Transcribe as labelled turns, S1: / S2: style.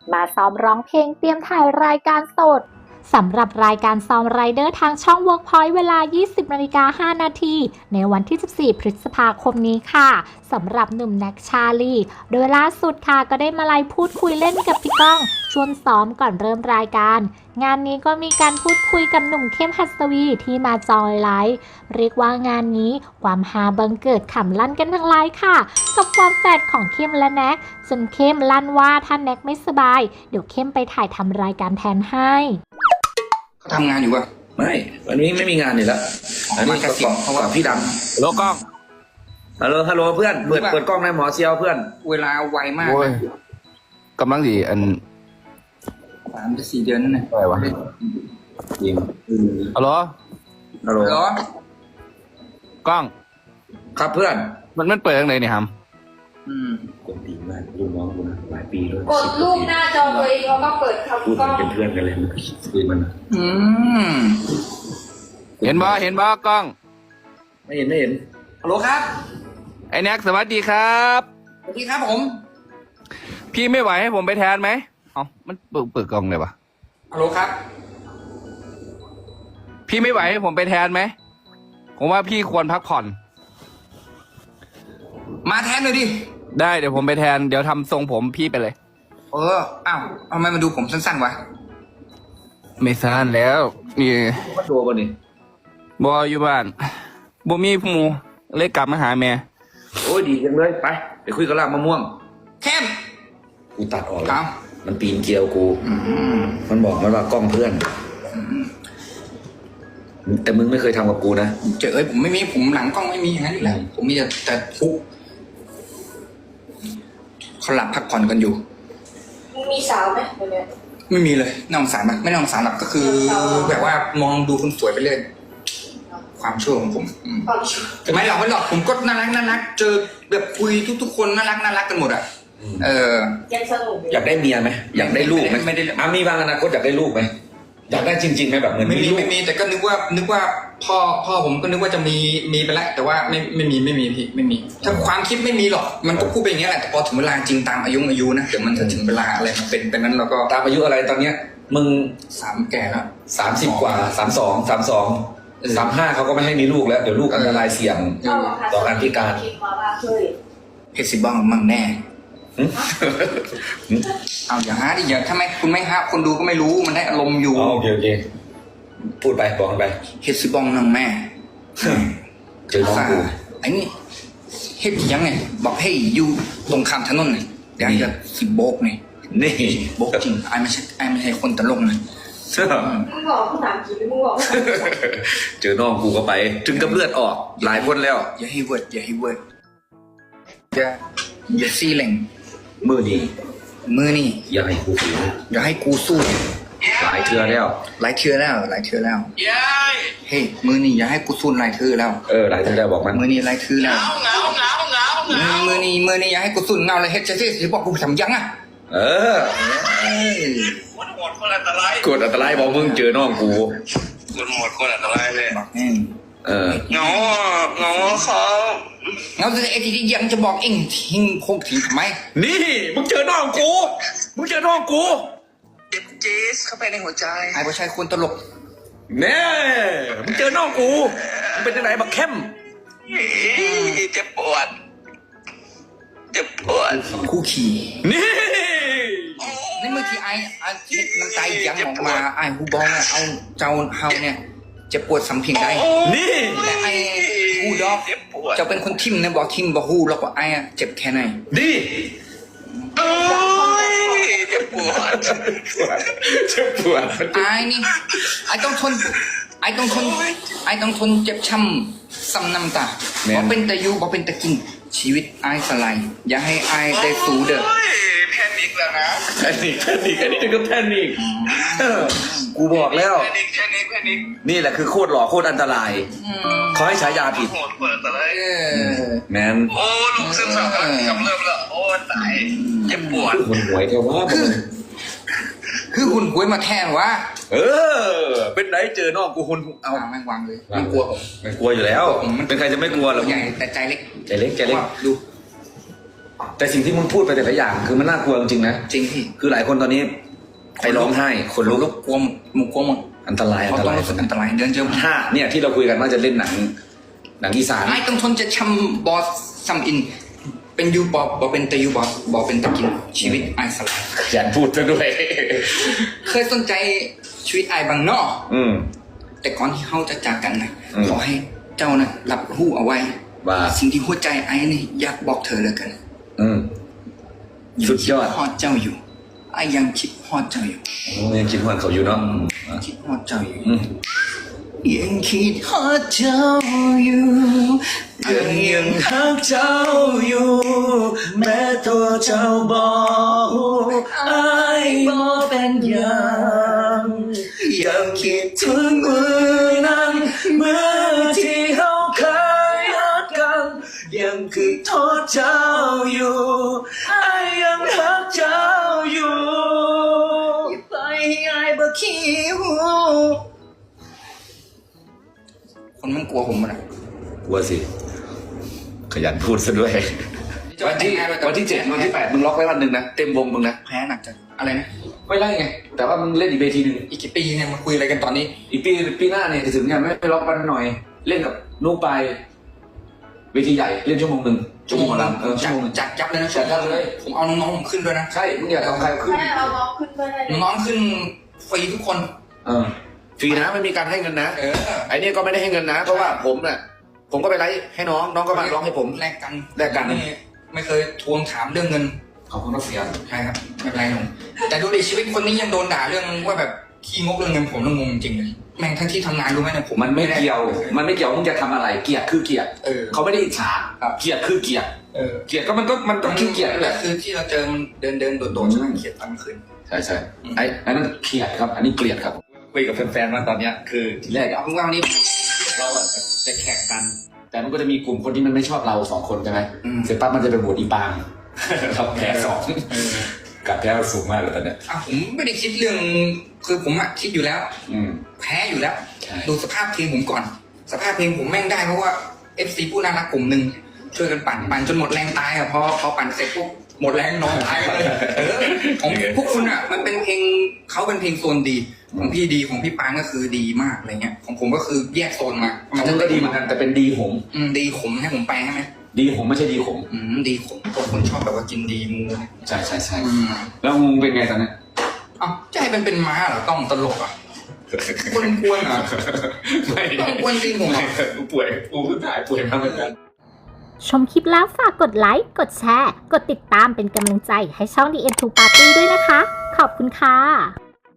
S1: มาซ้อมร้องเพลงเตรียมถ่ายรายการสดสำหรับรายการซ้อมไรเดอร์ทางช่อง Workpoint เวลา 20:05 นาทีในวันที่ 14 พฤษภาคมนี้ค่ะสำหรับหนุ่มแน็กชาลีโดยล่าสุดค่ะก็ได้มาไลฟ์พูดคุยเล่นกับพี่ก้องชวนซ้อมก่อนเริ่มรายการงานนี้ก็มีการพูดคุยกับหนุ่มเข้มหัสวีที่มาจอยไลฟ์เรียกว่างานนี้ความฮาบังเกิดขำลั่นกันทั้งไลฟ์ค่ะกับความแฝดของเข้มและแน็กจนเข้มลั่นว่าถ้าแน็กไม่สบายเดี๋ยวเข้มไปถ่ายทำรายการแทนให้
S2: เขาทำงานอยู่ป่ะ
S3: ไม่วันนี้ไม่มีงานอยู่แล้วอันนี้ก็เพราะว่าพี่ดำ
S4: ฮัลโหลกล้อง
S3: ฮัลโหลเพื่อนเปิดกล้องในหมอเซียวเพื่อน
S2: เวลาไวมาก
S4: กำลังดีอัน
S2: 3-4 เดือนนั่นแหละ
S4: อะไรวะยิงฮัลโหลกล้อง
S3: ครับเพื่อน
S4: มันเปิดยังไงเนี่ยฮัม
S3: กดดีมากลูกน้องกูนะหลายปีด้วย
S5: กดรูปหน้าจอตัวเองแล้วก็เปิดครับ
S3: พูดเป็นเพื่อนกันเลยมันคุยมัน
S4: เห็นบ่กล้อง
S3: ไม่เห็น
S2: ฮัลโหลครับ
S4: ไอ้แน็กสวัสดีครับ
S2: สวัสดีครับผม
S4: พี่ไม่ไหวให้ผมไปแทนไหมมันเปิดกล้องเลยวะ
S2: ฮัลโหลครับ
S4: พี่ไม่ไหวให้ผมไปแทนไหมผมว่าพี่ควรพักผ่อน
S2: มาแทนเลยดิ
S4: ได้เดี๋ยวผมไปแทนเดี๋ยวทำทรงผมพี่ไปเลย
S2: อ้าวทำไมมาดูผมสั้นๆวะ
S4: ไม่สั้นแล้วนี่
S3: มาดูป่ะนี่
S4: บออยู่บ้านบ่มีหมูเลยกลับมาหาแม่
S3: โอ้ยดีจังเลยไปคุยกับลากมะม่วง
S2: เข้ม
S3: กูตัดออกแล้วมันปีนเกลียวกูมันบอกมันว่ากล้องเพื่อนแต่มึงไม่เคยทำกับกูนะ
S2: ผมไม่มีผมหลังกล้องไม่มีอย่างนั้นอยู่แล้วผมมีแต่ทุกเขาหลับพักผ่อนกันอยู่
S5: มึงมีสาวไหมเดี๋ยวนี้
S2: ไม่มีเลยน่าสงสารไหมไม่น่าสงสารหรอกก็คือแบบว่ามองดูคนสวยไปเรื่อยความชั่วของผมแต่ไม่หรอกผมก็น่ารักเจอแบบคุยทุกคนน่ารักกันหมดอ่ะ
S5: ยังสนุก
S3: อยากได้เมียไหมอยากได้ลูกไหมไม่ได้มีบางอนาคตอยากได้ลูกไหมอยากได้จริงๆไหมแบบเหมือน
S2: ไม่มีแต่ก็นึกว่าพ่อผมก็นึกว่าจะมีไปแล้วแต่ว่าไม่มีพี่ไม่มีถ้าความคิดไม่มีหรอกมันก็พูดไปอย่างนี้แหละแต่พอถึงเวลาจริงตามอายุนะเดี๋ยวมันจะถึงเวลาอะไรมันเป็นนั้นเราก็
S3: ตามอายุอะไรตอนเนี้ยมึง
S2: 3แก่แล้ว
S3: 30 กว่า32 35เขาก็ไม่ให้มีลูกแล้วเดี๋ยวลูกอันตรายเสี่ยงต่อการพิการ
S2: เพชรสิบ้องมั่งแน่เอาอย่าหาดิอย่าทำไมคุณไม่หาคนดูก็ไม่รู้มันได้อารมณ์อยู่
S3: โอเคพูดไปบอกไป
S2: เฮ็ดสิบ้องนั่งแม่
S3: เจอน้องกู
S2: ไอ้นี่เฮ็ดยังไงบอกให้อยู่ตรงข้ามถนนนี่เดี๋ยวจะสิโบกนี่โบกจริงไอ้ไม่ใช่คนตลกนะ
S5: มึงบอกภาษาอังกฤษมึงบอก
S3: เจอน้องกูก็ไปถึงกับเลือดออกหลายคนแล้ว
S2: อย่าให้เวิร์ดอย่าซีเหล่ง
S3: มือนี่อย่าให้
S2: กูสู้
S3: หลายเทื่อแล้ว
S2: เฮ้ยมือนี่อย่าให้กูสู้หลายเทื่อแล้ว
S3: หลายเทื่อแล้วบอกมัน
S2: มือนี่หลายเทื่อแล้วมือนี่อย่าให้กูสู้เงาเลยเฮ็ดจะบอกกูทำยังอ่ะ
S3: กดอันตรายบอกมึงเจอน้องกู
S4: คนอันตรายเลย
S3: เงา
S2: เขาเงาจะไอ้ที่ยังจะบอกเองทิ้งคงทิ้งทำไม
S3: นี่มึงเจอน้องกู
S4: เจ็บจี๊สเข้าไปในหัวใจ
S2: ไอ้ผู้ชายคนตลก
S3: แน่มึงเจอน้องกูมึงเป็นยังไงบักเข้ม
S4: เจ็บปวด
S2: คู่ขี่
S3: นี่
S2: เมื่อกี้ไอ้น้ำใจยังออกมาไอ้ฮูบองเอาเจ้าเฮาเนี่ยจะปวดสัมผัสได้
S3: นี่
S2: และไอ้ฮูดอกจะเป็นคนทิมนะบอกทิมบอกฮูแล้วก็ไอ้เจ็บแค่ไหน
S3: ดี
S4: เจ็บปวด
S2: ไอ้นี่ไอ้ต้องทนเจ็บช้ำซ้ำน้ำตาบอกเป็นตะยูบอกเป็นตะกินชีวิตไอ้สลายอย่าให้ไอ้ได้สู้เด้อ
S4: แพนิคแล้วนะ
S3: แพนิคอันนี้ถึงกับแพนิคกูบอกแล้ว
S4: แพนิค
S3: นี่แหละคือโคตรหล่อโคตรอันตรายเขาให้ฉายาผิดแมน
S4: โอ้ลูกซึมเศร้ากำลังกำเริบแล้วโอ้ตายเจ็บปวด
S3: หุ่นหวยแค่ว่า
S2: คือหุ่นหวยมาแทนวะ
S3: เป็นไหนเจอน้องกูหุ่น
S2: เอาแม่งวางเลยมันกลัวผม
S3: มันกลัวอยู่แล้วเป็นใครจะไม่กลัวหรอ
S2: ใหญ่แต่ใจเล็ก
S3: ดูแต่สิ่งที่มึงพูดไปแต่ละอย่างคือมันน่ากลัวจริงๆนะ
S2: จริงพี่
S3: คือหลายคนตอนนี้ไปร้องไห้คนลุก
S2: กลัวมึงกลัวหมด
S3: อันตรายอั
S2: เขา
S3: นต
S2: ต้อง
S3: ราย
S2: รู้สึกอันตรายเดินเจอ
S3: ถ้าเนี่ยที่เราคุยกันว่าจะเล่นหนังอีสาน
S2: ไอ้ต้องทนจะชำบอสซัมอิน เป็นยูบอเป็นตะยูบอเป็นตะกินชีวิตไอ้สลาย
S3: อย่าพูดซะด้วย
S2: เคยสนใจชีวิตไอ้บางนอก แต่ก่อนที่เขาจะจากกันนะ
S3: อืม
S2: ขอให้เจ้านะรับรู้เอาไว้
S3: ว่า
S2: สิ่งที่หัวใจไอ้นี่อยากบอกเธอเลยกัน
S3: สุดยอด
S2: คิฮอดเจ้าอยู่ไอ้ยังคิดฮอดเจ้าอยู่
S3: ยังคิดว่าเขาอยู่เนาะ
S2: คิดฮอดเจ้าอยู่
S3: อืม
S2: ยังคิดฮอดเจ้าอยู่ยังฮักเจ้าอยู่ แม้ตัวเจ้าบอกไอ้บ่เป็นอย่างยังคิดถึงมือนั้นมือที่เขาเคยฮักกันยังคือโทษเจ้าอยู่ไอ้ยังฮักเจ้าอยู่อย่าไปให้ไอ้บ่คิวคนมันกลัวผมมันอะ
S3: กลัวสิ ขยันพูดซะด้วย วันที่7 วันที่ 8มึงล็อกไว้วันหนึ่งนะ เต็มวงมึงนะ
S2: แพ้หนักจังอะไรนะ
S3: ไม่ไล่ไง แต่ว่ามึงเล่นอีกเวทีหนึ่ง
S2: อีกกี่ปีเนี่ยมาคุยอะไรกันตอนนี้
S3: อีกปีหน้าเนี่ยจะถึงเนี่ยไม่ล็อกวันหน่อย เล่นกับนุ๊กไปเวทีใหญ่เล่นชั่วโมงหนึ่งชั่วโมงละชั่วโมงหนึ่ง
S2: จัดยับเลยนะ
S3: จัดยับเลย
S2: ผมเอาน้องๆผมขึ้นด้วยนะ
S3: ใช่มึงอยากเอาใครขึ้น
S5: แม่เอาน้องขึ้นด้วยได้เลย
S2: น้องๆขึ้นฟรีทุกคน
S3: ฟรีนะไม่มีการให้เงินนะ
S2: เออ
S3: ไอ้นี่ก็ไม่ได้ให้เงินนะ เพราะว่าผมน่ะผมก็ไปไลฟ์ให้น้องก็มาร้องให้ผม
S2: แลกกัน
S3: แลกกัน
S2: ไม่เคยทวงถามเรื่องเงิน
S3: ขอบคุณครับเสีย
S2: ใช่ครับไม่เป็นไรหนุ่มแต่ดูดิชีวิตคนนี้ยังโดนด่าเรื่องว่าแบบขี้งกเรื่องเงินผมต้องงงจริงเลยแม่งทั้งที่ทำงานรู้ไหมเนี่ยผม
S3: มันไม่เกี่ยวมึงจะทำอะไรเกลียดคือเกลียด
S2: เออ
S3: เขาไม่ได้อิจฉา
S2: ครับ
S3: เกลียดคือเกลียด
S2: เออ
S3: เกลียดก็มันก็ขี้เกียจนั่นแหละ
S2: คือที่เราเจอมันเดินโดดๆใช่ไหมเขียนตอนกลางคืน
S3: ใช่ไอ้นั่นเกลียดครับ อันนี้เกลียดครับคุยกับแฟนๆมาตอนเนี้ยคือทีแรก
S2: เอาว่าวันนี้
S3: เราอะจะแข่งกัน แต่มันก็จะมีกลุ่มคนที่มันไม่ชอบเรา2 คนใช่ไหม
S2: อืม
S3: เสร็จปั๊บมันจะไปโหวตอีปางเราแพ้2กับแพ้สูงมากเลยตอนเนี้ย
S2: ผมไม่ได้คิดเรื่องคือผมอะคิดอยู่แล้ว แพ้อยู่แล้ว
S3: ใช่
S2: ดูสภาพเพลงผมก่อน สภาพเพลงผมแม่งได้เพราะว่า FC ผู้น่ารักกลุ่มหนึ่งช่วยกันปั่นจนหมดแรงตายอะพอปั่นเสร็จปุ๊บหมดแรงนอนตายเลยของพวกคุณอะมันเป็นเพลงเขาเป็นเพลงโซนดีของพี่ดีของพี่ปานก็คือดีมากอะไรเงี้ยของผมก็คือแยกโซนมา
S3: ของมึงก็ดีเหมือนกันแต่เป็นดีผม
S2: ดีขมให้ผมไปใช่ไหม
S3: ดีผมไม่ใช่ดีขม
S2: ดีขมพวกคนชอบแบบว่ากินดีมูเนี่ย
S3: ใช่แล้วมึงเป็นไงตอนเนี้ย
S2: อ้าวใจเป็นม้าเหรอต้องตลกอ่ะกวนๆอ่ะ
S3: ไม่
S2: ต้องกวนจริงผมอ่ะ
S3: กูป่วยกูเพิ่งถ่ายป่วยมาเหมือนกัน
S1: ชมคลิปแล้วฝากกดไลค์ กดแชร์ กดติดตามเป็นกำลังใจให้ช่อง The End to Party ด้วยนะคะ ขอบคุณค่ะ